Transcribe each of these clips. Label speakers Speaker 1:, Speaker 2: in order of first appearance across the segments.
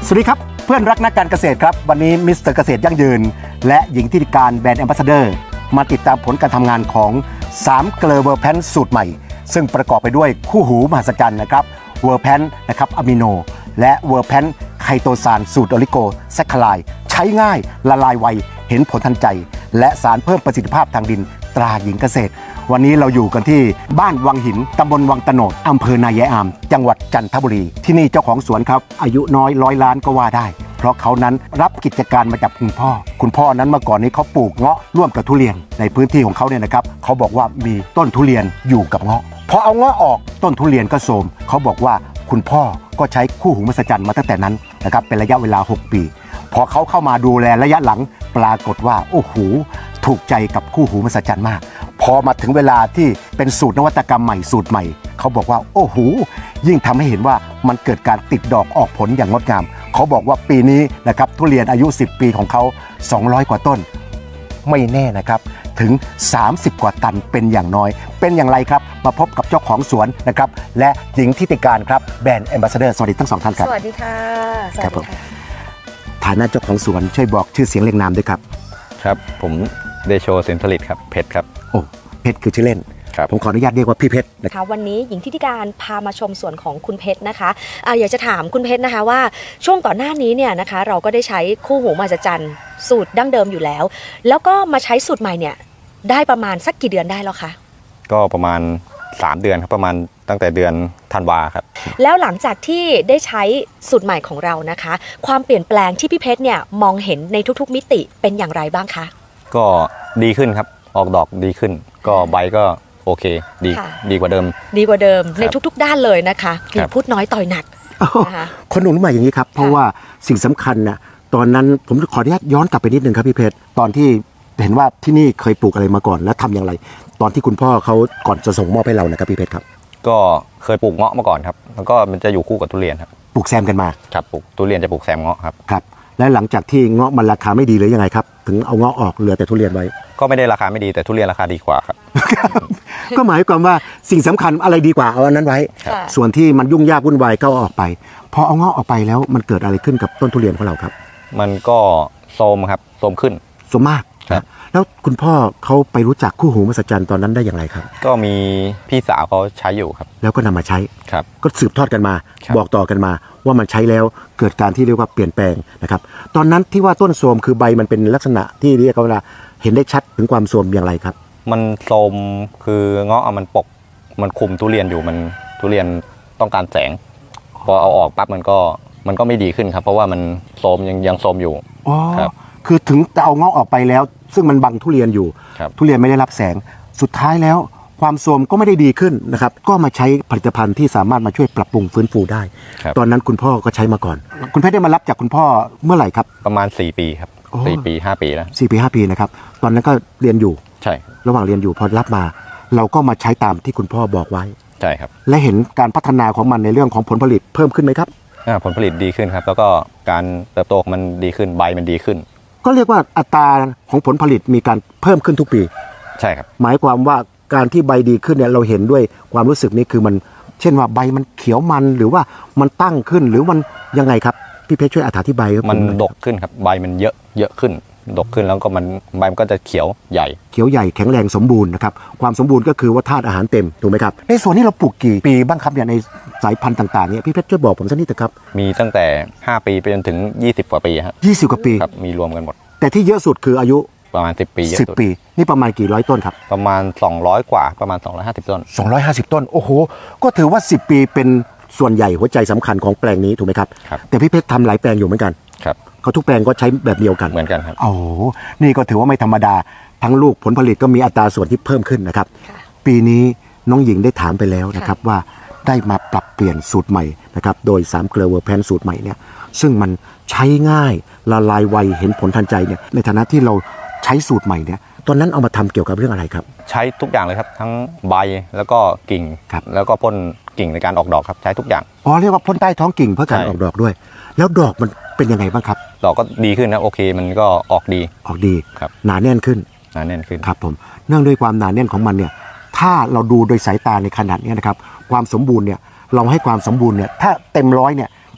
Speaker 1: สวัสดีครับเพื่อนรักนักการเกษตรครับวันนี้มิสเตอร์เกษตรยั่งยืนและหญิงที่การแบรนด์แอมบาสเดอร์มาติดตามผลการทำงานของ3เกลอเวอร์แพนสูตรใหม่ซึ่งประกอบไปด้วยคู่หูมหัศจรรย์นะครับเวอร์แพนนะครับอะมิโนและเวอร์แพนไคโตซานสูตรออลิโกแซคคลายใช้ง่ายละลายไวเห็นผลทันใจและสารเพิ่มประสิทธิภาพทางดินตราหญิงเกษตรวันนี้เราอยู่กันที่บ้านวังหินตำบลวังตะโนดอำเภอนายายอามจังหวัดจันทบุรีที่นี่เจ้าของสวนครับอายุน้อย100 ล้านก็ว่าได้เพราะเขานั้นรับกิจการมาจากคุณพ่อนั้นเมื่อก่อนนี้เขาปลูกเงาะร่วมกับทุเรียนในพื้นที่ของเขาเนี่ยนะครับเขาบอกว่ามีต้นทุเรียนอยู่กับเงาะพอเอาเงาะออกต้นทุเรียนก็โทรมเขาบอกว่าคุณพ่อก็ใช้คู่หูมหัศจรรย์มาตั้งแต่นั้นนะครับเป็นระยะเวลา6 ปีพอเขาเข้ามาดูแลระยะหลังปรากฏว่าโอ้โหถูกใจกับคู่หูมหัศจรรย์มากพอมาถึงเวลาที่เป็นสูตรนวัตกรรมใหม่สูตรใหม่เขาบอกว่าโอ้โหยิ่งทำให้เห็นว่ามันเกิดการติดดอกออกผลอย่างงดงามเขาบอกว่าปีนี้นะครับทุเรียนอายุ10 ปีของเขา200 กว่าต้นไม่แน่นะครับถึง30 กว่าตันเป็นอย่างน้อยเป็นอย่างไรครับมาพบกับเจ้าของสวนนะครับและหญิงทิติการครับแบรนด์แอมบาสเดอร์สวัสดีทั้ง2 ท่านครับ
Speaker 2: สวัสดีค่ะ
Speaker 1: ครับผมฐานะเจ้าของสวนช่วยบอกชื่อเสียงเรียงนามด้วยครับ
Speaker 3: ครับผมเดโชสินผลิตครับเพชรครับ
Speaker 1: โอ้เพชรคือชื่อเล่นผมขออนุญาตเรียกว่าพี่เพชร
Speaker 2: นะคะวันนี้หญิงทิติการพามาชมสวนของคุณเพชรนะคะอยากจะถามคุณเพชรนะคะว่าช่วงก่อนหน้านี้เนี่ยนะคะเราก็ได้ใช้คู่หูมหัศจรรย์สูตรดั้งเดิมอยู่แล้วแล้วก็มาใช้สูตรใหม่เนี่ยได้ประมาณสักกี่เดือนได้แล้วคะ
Speaker 3: ก็ประมาณ3 เดือนครับประมาณตั้งแต่เดือนธันวาครับ
Speaker 2: แล้วหลังจากที่ได้ใช้สูตรใหม่ของเรานะคะความเปลี่ยนแปลงที่พี่เพชรเนี่ยมองเห็นในทุกๆมิติเป็นอย่างไรบ้างคะ
Speaker 3: ก็ดีขึ้นครับออกดอกดีขึ้นก็ใบก็โอเคดีกว่าเดิม
Speaker 2: ในทุกๆด้านเลยนะคะพูดน้อยต่อยหนัก
Speaker 1: นะคะคนหนุ่มใหม่อย่างนี้ครับเพราะว่าสิ่งสำคัญนะตอนนั้นผมขออนุญาตย้อนกลับไปนิดนึงครับพี่เพชรตอนที่เห็นว่าที่นี่เคยปลูกอะไรมาก่อนและทำอย่างไรตอนที่คุณพ่อเขาก่อนจะส่งมอบให้เรานะครับพี่เพชรครับ
Speaker 3: ก็เคยปลูกเงาะมาก่อนครับแล้วก็มันจะอยู่คู่กับทุเรียนครับ
Speaker 1: ปลูกแซมกันมา
Speaker 3: ครับปลูกทุเรียนจะปลูกแซมเงาะครับ
Speaker 1: ครับและหลังจากที่เงาะมันราคาไม่ดีเลยยังไงครับถึงเอาเงาะออกเหลือแต่ทุเรียนไว้
Speaker 3: ก็ไม่ได้ราคาไม่ดีแต่ทุเรียนราคาดีกว่าครับ
Speaker 1: ก็หมายความว่าสิ่งสำคัญอะไรดีกว่าเอาอันนั้นไว้ส่วนที่มันยุ่งยากวุ่นวายก็เอาออกไปพอเอาเงาะออกไปแล้วมันเกิดอะไรขึ้นกับต้นทุเรียนของเราครับ
Speaker 3: มันก็โทรมครับโทรมขึ้น
Speaker 1: โทรมมากแล้วคุณพ่อเขาไปรู้จักคู่หูมหัศจรรย์ตอนนั้นได้อย่างไรครับ
Speaker 3: ก็มีพี่สาวเขาใช้อยู่ครับ
Speaker 1: แล้วก็นำมาใช้
Speaker 3: ครับ
Speaker 1: ก็สืบทอดกันมาบอกต่อกันมาว่ามันใช้แล้วเกิดการที่เรียกว่าเปลี่ยนแปลงนะครับตอนนั้นที่ว่าต้นโทรมคือใบมันเป็นลักษณะที่เรียกว่าเห็นได้ชัดถึงความโทรมอย่างไรครับ
Speaker 3: มันโทรมคือเงาะมันปกมันคุมทุเรียนอยู่มันทุเรียนต้องการแสงพอเอาออกปั๊บมันก็ไม่ดีขึ้นครับเพราะว่ามันโทรมยังโทรมอยู่
Speaker 1: ครับคือถึงจะเอาเงาะออกไปแล้วซึ่งมันบังทุเรียนอยู่ทุเรียนไม่ได้รับแสงสุดท้ายแล้วความโทรมก็ไม่ได้ดีขึ้นนะครับก็มาใช้ผลิตภัณฑ์ที่สามารถมาช่วยปรับปรุงฟื้นฟูได้ตอนนั้นคุณพ่อก็ใช้มาก่อนคุณเพชรได้มารับจากคุณพ่อเมื่อไหร่ครับ
Speaker 3: ประมาณ4 ปีครับ4 ปี 5 ปีแล้ว
Speaker 1: 4 ปี 5 ปีนะครับตอนนั้นก็เรียนอยู่
Speaker 3: ใช่
Speaker 1: ระหว่างเรียนอยู่พอรับมาเราก็มาใช้ตามที่คุณพ่อบอกไว้
Speaker 3: ใช่ครับ
Speaker 1: และเห็นการพัฒนาของมันในเรื่องของผลผลิตเพิ่มขึ้นไหมครับ
Speaker 3: ผลผลิตดีขึ้นครับแล้วก็การเติบโตของมันดีขึ้นใบมันดีขึ้น
Speaker 1: ก็เรียกว่าอัตราของผลผลิตมีการเพิ่มขึ้นทุกปี
Speaker 3: ใช่ครับ
Speaker 1: หมายความว่าการที่ใบดีขึ้นเนี่ยเราเห็นด้วยความรู้สึกนี้คือมันเช่นว่าใบมันเขียวมันหรือว่ามันตั้งขึ้นหรือมันยังไงครับพี่เพชรช่วยอธิบาย
Speaker 3: มันดกขึ้นครับใบมันเยอะขึ้นดกขึ้นแล้วก็ใบมันก็จะเขียวใหญ่
Speaker 1: แข็งแรงสมบูรณ์นะครับความสมบูรณ์ก็คือว่าธาตุอาหารเต็มถูกไหมครับในส่วนนี้เราปลูกกี่ปีบ้างครับเนี่ยในสายพันธุ์ต่างๆเนี่ยพี่เพชรช่วยบอกผมสักนิดเถอะครับ
Speaker 3: มีตั้งแต่5 ปีไปจนถึง20 กว่าปีครับ
Speaker 1: 20 กว่าปี
Speaker 3: ครับมีรวมกันหมด
Speaker 1: แต่ที่เยอะสุดคืออายุ
Speaker 3: ประมาณ10 ปี
Speaker 1: 10 ปีนี่ประมาณกี่ร้อยต้นครับ
Speaker 3: ประมาณ200 กว่าประมาณ250 ต้น
Speaker 1: 250 ต้นโอ้โหก็ถือว่า10 ปีเป็นส่วนใหญ่หัวใจสำคัญของแปลงนี้ถูกไหมครับแต่พี่เพชรทำหลายแปลงอยู่เหมือนกัน
Speaker 3: ครับ
Speaker 1: เขาทุกแปลงก็ใช้แบบเดียวกัน
Speaker 3: เหมือนกันครับ
Speaker 1: โอ้นี่ก็ถือว่าไม่ธรรมดาทั้งลูกผลผลิตก็มีอัตราส่วนที่เพิ่มขึ้นนะครับปีนี้น้องหญิงได้ถามไปแล้วนะครับว่าได้มาปรับเปลี่ยนสูตรใหม่นะครับโดย3เกลอเวอร์แพนสูตรใหม่เนี่ยซึ่งมันใช้ง่ายละลายไวเห็นผลทันใจเนี่ยในฐานะที่เราใช้สูตรใหม่เนี่ยตอนนั้นเอามาทำเกี่ยวกับเรื่องอะไรครับ
Speaker 3: ใช้ทุกอย่างเลยครับทั้งใบแล้วก็กิ่งแล้วก็พ่นกิ่งในการออกดอกครับใช้ทุกอย่าง
Speaker 1: เรียกว่าพ่นใต้ท้องกิ่งเพื่อการออกดอกด้วยแล้วดอกมันเป็นยังไงบ้างครับ
Speaker 3: ดอกก็ดีขึ้นนะโอเคมันก็ออกดี
Speaker 1: ครับหนาแน่นขึ้นครับผมเนื่องด้วยความหนาแน่นของมันเนี่ยถ้าเราดูโดยสายตาในขนาดนี้นะครับความสมบูรณ์เนี่ยเราให้ความสมบูรณ์เนี่ยถ้าเต็ม100เนี่ย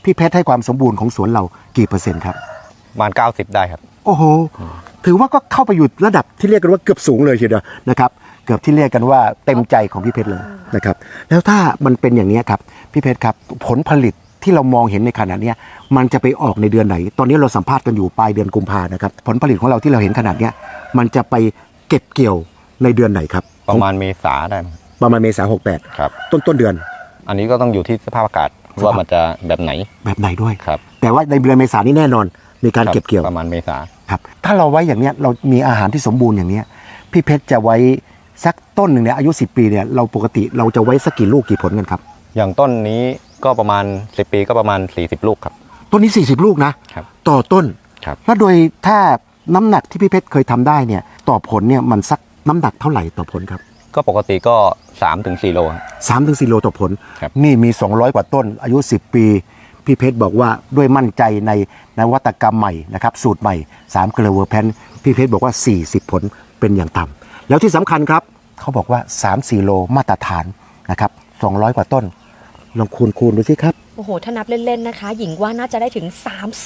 Speaker 1: พี่เพชรให้ความสมบูรณ์ของสวนเรากี่เปอร์เซ็นต์ครับ
Speaker 3: ประมาณ90ได้ครับ
Speaker 1: โอ้โหถือว่าก็เข้าไปอยู่ระดับที่เรียกกันว่าเกือบสูงเลยทีเดียวนะครับเกือบที่เรียกกันว่าเต็มใจของพี่เพชรเลยนะครับแล้วถ้ามันเป็นอย่างนี้ครับพี่เพชรครับผลผลิตที่เรามองเห็นในขณะนี้มันจะไปออกในเดือนไหนตอนนี้เราสัมภาษณ์กันอยู่ปลายเดือนกุมภานะครับผลผลิตของเราที่เราเห็นขนาดนี้มันจะไปเก็บเกี่ยวในเดือนไหนครับ
Speaker 3: ประมาณเมษาได้มั้ง
Speaker 1: ประมาณเมษา
Speaker 3: ครับ
Speaker 1: 68ต้นเดือน
Speaker 3: อันนี้ก็ต้องอยู่ที่สภาพอากาศว่ามันจะแบบไหน
Speaker 1: แบบไหนด้วย
Speaker 3: ครับ
Speaker 1: แต่ว่าในเดือนเมษานี่แน่นอนมีการเก็บเกี่ยว
Speaker 3: ประมาณเมษา
Speaker 1: ครับถ้าเราไว้อย่างเนี้ยเรามีอาหารที่สมบูรณ์อย่างเนี้ยพี่เพชรจะไว้สักต้นหนึ่งเนี่ยอายุ10 ปีเนี่ยเราปกติเราจะไว้สักกี่ลูกกี่ผลกันครับ
Speaker 3: อย่างต้นนี้ก็ประมาณ10 ปีก็ประมาณ40 ลูกครับ
Speaker 1: ต้นนี้40 ลูกนะครับ ต่อต้น
Speaker 3: ครับ
Speaker 1: แล้วโดยถ้าน้ำหนักที่พี่เพชรเคยทำได้เนี่ยต่อผลเนี่ยมันสักน้ำหนักเท่าไหร่ต่อผลครับ
Speaker 3: ก็ปกติก็3-4 โลครับ
Speaker 1: 3-4 โลต่อผล
Speaker 3: ครับ
Speaker 1: นี่มี200กว่าต้นอายุ10 ปีพี่เพชรบอกว่าด้วยมั่นใจในนวัตกรรมใหม่นะครับสูตรใหม่3เกลือเวอร์แพนพี่เพชรบอกว่า40 ผลเป็นอย่างต่ำแล้วที่สำคัญครับเขาบอกว่า3-4 โลมาตรฐานนะครับ200 กว่าต้นลองคูณดูสิครับ
Speaker 2: โอ้โหถ้านับเล่นๆนะคะ หญิงว่าน่าจะได้ถึง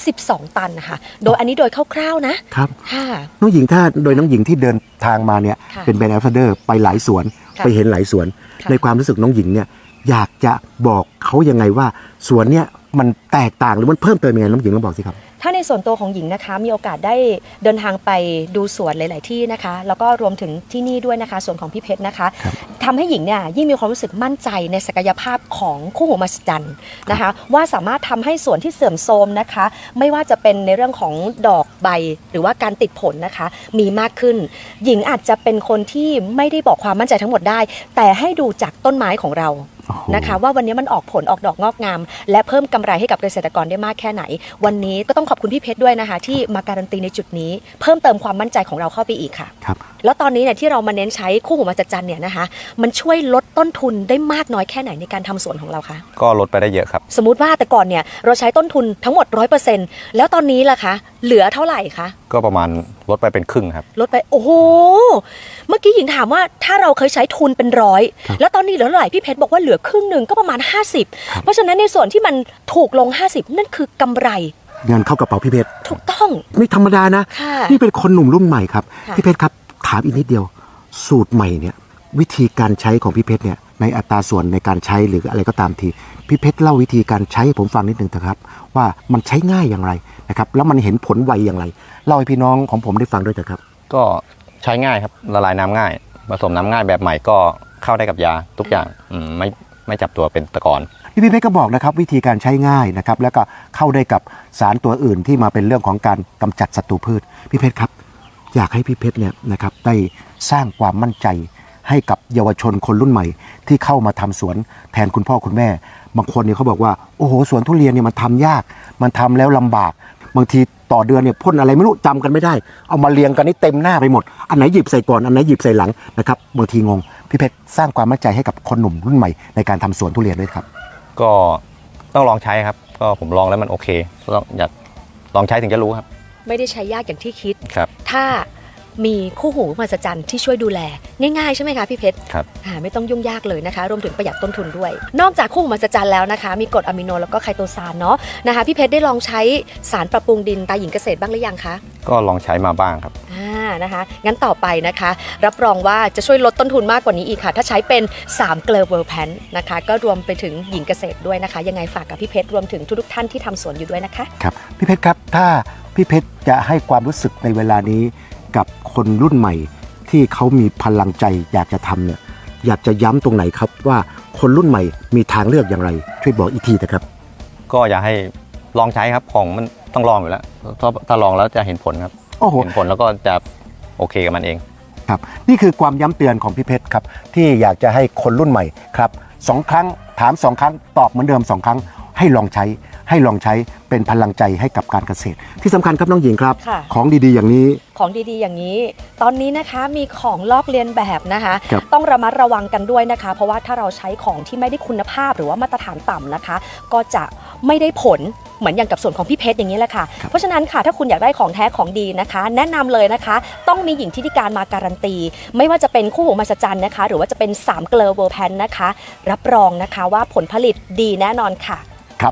Speaker 2: 32 ตันนะคะโดยอันนี้โดยคร่าวๆนะครับ ค่ะ
Speaker 1: น้องหญิงถ้าโดยน้องหญิงที่เดินทางมาเนี่ย
Speaker 2: ค่ะ
Speaker 1: เป็นแบรนด์แอมบาสเดอร์ไปหลายสวน
Speaker 2: ค่ะ
Speaker 1: ไปเห็นหลายสวน
Speaker 2: ค่ะ
Speaker 1: ในความรู้สึกน้องหญิงเนี่ยอยากจะบอกเขายังไงว่าสวนเนี่ยมันแตกต่างหรือมันเพิ่มเติมยังไงน้องหญิงลองบอกสิครับ
Speaker 2: ถ้าในส่วนตัวของหญิงนะคะมีโอกาสได้เดินทางไปดูสวนหลาย ๆ ที่นะคะ แล้วก็รวมถึงที่นี่ด้วยนะคะส่วนของพี่เพชรนะคะ
Speaker 1: ครับ
Speaker 2: ทำให้หญิงเนี่ยยิ่งมีความรู้สึกมั่นใจในศักยภาพของคู่หูมหัศจรรย์นะคะ ว่าสามารถทำให้สวนที่เสื่อมโทรมนะคะ ไม่ว่าจะเป็นในเรื่องของดอกใบหรือว่าการติดผลนะคะ มีมากขึ้น หญิงอาจจะเป็นคนที่ไม่ได้บอกความมั่นใจทั้งหมดได้ แต่ให้ดูจากต้นไม้ของเรา
Speaker 1: โอ้โห
Speaker 2: นะคะว่าวันนี้มันออกผลออกดอกงอกงาม และเพิ่มกำไรให้กับเกษตรกรได้มากแค่ไหน วันนี้ก็ต้องขอบคุณพี่เพชรด้วยนะคะ ที่มาการันตีในจุดนี้ เพิ่มเติมความมั่นใจของเราเข้าไปอีกค่ะ
Speaker 1: ครับ
Speaker 2: แล้วตอนนี้เนี่ยที่เรามาเน้นใช้คู่หูมหัศจรรย์เนี่ยนะคะ มันช่วยลดต้นทุนได้มากน้อยแค่ไหนในการทำสวนของเราคะ
Speaker 3: ก็ลดไปได้เยอะครับ
Speaker 2: สมมุติว่าแต่ก่อนเนี่ยเราใช้ต้นทุนทั้งหมด 100%แล้วตอนนี้ล่ะคะเหลือเท่าไหร่คะ
Speaker 3: ก็ประมาณลดไปเป็นครึ่งครับ
Speaker 2: ลดไปโอ้โหเมื่อกี้หญิงถามว่าถ้าเราเคยใช้ทุนเป็นร้อย
Speaker 1: ครับ
Speaker 2: แล้วตอนนี้เหลือเท่าไหร่พี่เพชรบอกว่าเหลือครึ่งหนึ่งก็ประมาณ 50 เพราะฉะนั้นในส่วนที่มันถูกลง 50 นั่นคือกำไร
Speaker 1: เงินเข้ากระเป๋าพี่เพชร
Speaker 2: ถูกต้อง
Speaker 1: ไม่ธรรมดานะ
Speaker 2: ค่ะ
Speaker 1: นี่เป็นคนหนุ่มรุ่นใหม่ครับ
Speaker 2: ค่ะ
Speaker 1: พี่เพชรครับถามอีกนิดเดียว สูตรใหม่เนี่ยวิธีการใช้ของพี่เพชรเนี่ยในอัตราส่วนในการใช้หรืออะไรก็ตามทีพี่เพชรเล่าวิธีการใช้ให้ผมฟังนิดหนึ่งเถอะครับว่ามันใช้ง่ายอย่างไรนะครับแล้วมันเห็นผลไวอย่างไรเล่าให้พี่น้องของผมได้ฟังด้วยเถอะครับ
Speaker 3: ก็ใช้ง่ายครับละลายน้ำง่ายผสมน้ำง่ายแบบใหม่ก็เข้าได้กับยาทุกอย่างไม่จับตัวเป็นตะกอน
Speaker 1: พี่เพชรก็บอกนะครับวิธีการใช้ง่ายนะครับแล้วก็เข้าได้กับสารตัวอื่นที่มาเป็นเรื่องของการกำจัดศัตรูพืชพี่เพชรครับอยากให้พี่เพชรเนี่ยนะครับได้สร้างความมั่นใจให้กับเยาวชนคนรุ่นใหม่ ที่เข้ามาทำสวนแทนคุณพ่อคุณแม่ บางคนเนี่ยเขาบอกว่าโอ้โหสวนทุเรียนเนี่ยมันทำยากมันทำแล้วลำบาก บางทีต่อเดือนเนี่ยพ่นอะไรไม่รู้จำกันไม่ได้เอามาเรียงกันนี่เต็มหน้าไปหมดอันไหนหยิบใส่ก่อนอันไหนหยิบใส่หลังนะครับบางทีงงพี่เพชรสร้างความมั่นใจให้กับคนหนุ่มรุ่นใหม่ในการทำสวนทุเรียนด้วยครับ
Speaker 3: ก็ต้องลองใช้ครับก็ผมลองแล้วมันโอเคต้องอยากลองใช้ถึงจะรู้ครับ
Speaker 2: ไม่ได้ใช้ยากอย่างที่คิด
Speaker 3: ครับ
Speaker 2: ถ้ามีคู่หูมหัศจรรย์ที่ช่วยดูแลง่ายๆใช่ไหมคะพี่เพชร
Speaker 3: ครับ
Speaker 2: ไม่ต้องยุ่งยากเลยนะคะรวมถึงประหยัดต้นทุนด้วย นอกจากคู่หูมหัศจรรย์แล้วนะคะ มีกรดอะมิโนแล้วก็ไคโตซานเนาะนะคะพี่เพชรได้ลองใช้สารปรับปรุงดินตาหญิงเกษตรบ้างหรือยังคะ
Speaker 3: ก็ลองใช้มาบ้างครับ
Speaker 2: นะคะงั้นต่อไปนะคะ รับรองว่าจะช่วยลดต้นทุนมากกว่านี้อีกค่ะ ถ้าใช้เป็น3เกลอเวอร์แพนนะคะก็รวมไปถึงหญิงเกษตรด้วยนะคะ ยังไงฝากกับพี่เพชรรวมถึงทุกๆท่านที่ทำสวนอยู่ด้วยนะคะ
Speaker 1: ครับพี่เพชรครับถ้าพี่เพชรจะให้ความรู้สึกในเวลานี้กับคนรุ่นใหม่ที่เขามีพลังใจอยากจะทำเนี่ยอยากจะย้ำตรงไหนครับว่าคนรุ่นใหม่มีทางเลือกอย่างไรช่วยบอกอีกทีนะครับ
Speaker 3: ก็อยากให้ลองใช้ครับของมันต้องลองอยู่แล้วถ้าลองแล้วจะเห็นผลครับ
Speaker 1: โอ้โห
Speaker 3: เห็นผลแล้วก็จะโอเคกับมันเอง
Speaker 1: ครับนี่คือความย้ำเตือนของพี่เพชรครับที่อยากจะให้คนรุ่นใหม่ครับ2 ครั้งถาม2 ครั้งตอบเหมือนเดิม2 ครั้งให้ลองใช้เป็นพลังใจให้กับการเกษตร ที่สำคัญครับน้องหญิงครับ
Speaker 2: ค่ะ
Speaker 1: ของดีๆอย่างนี้
Speaker 2: ของดีๆอย่างนี้ ตอนนี้นะคะมีของลอกเลียนแบบนะคะ
Speaker 1: ครับ
Speaker 2: ต้องระมัดระวังกันด้วยนะคะ เพราะว่าถ้าเราใช้ของที่ไม่ได้คุณภาพหรือว่ามาตรฐานต่ำนะคะ ก็จะไม่ได้ผลเหมือนอย่างกับส่วนของพี่เพชรอย่างนี้แหละค่ะ เพราะฉะนั้นค่ะถ้าคุณอยากได้ของแท้ของดีนะคะ แนะนำเลยนะคะ ต้องมีหญิงทิติการมาการันตี ไม่ว่าจะเป็นคู่หูมหัศจรรย์นะคะ หรือว่าจะเป็น3เกลอเวอร์แพนนะคะ รับรองนะคะว่าผลผลิตดีแน่นอนค่ะ
Speaker 1: ครับ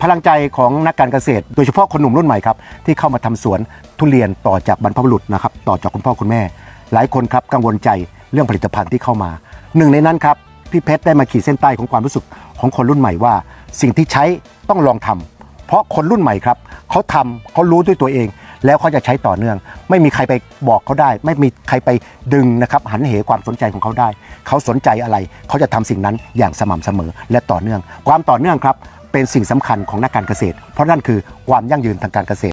Speaker 1: พลังใจของนักการเกษตร โดยเฉพาะคนหนุ่มรุ่นใหม่ครับที่เข้ามาทำสวนทุเรียนต่อจากบรรพบุรุษนะครับต่อจากคุณพ่อคุณแม่ หลายคนครับกังวลใจเรื่องผลิตภัณฑ์ที่เข้ามาหนึ่งในนั้นครับพี่เพชรได้มาขีดเส้นใต้ของความรู้สึกของคนรุ่นใหม่ว่าสิ่งที่ใช้ต้องลองทำเพราะคนรุ่นใหม่ครับเขาทำเขารู้ด้วยตัวเอง แล้วเขาจะใช้ต่อเนื่อง ไม่มีใครไปบอกเขาได้ ไม่มีใครไปดึงนะครับหันเหความสนใจของเขาได้เขาสนใจอะไรเขาจะทำสิ่งนั้นอย่างสม่ำเสมอและต่อเนื่องความต่อเนื่องครับเป็นสิ่งสำคัญของนักการเกษตรเพราะนั่นคือความยั่งยืนทางการเกษตร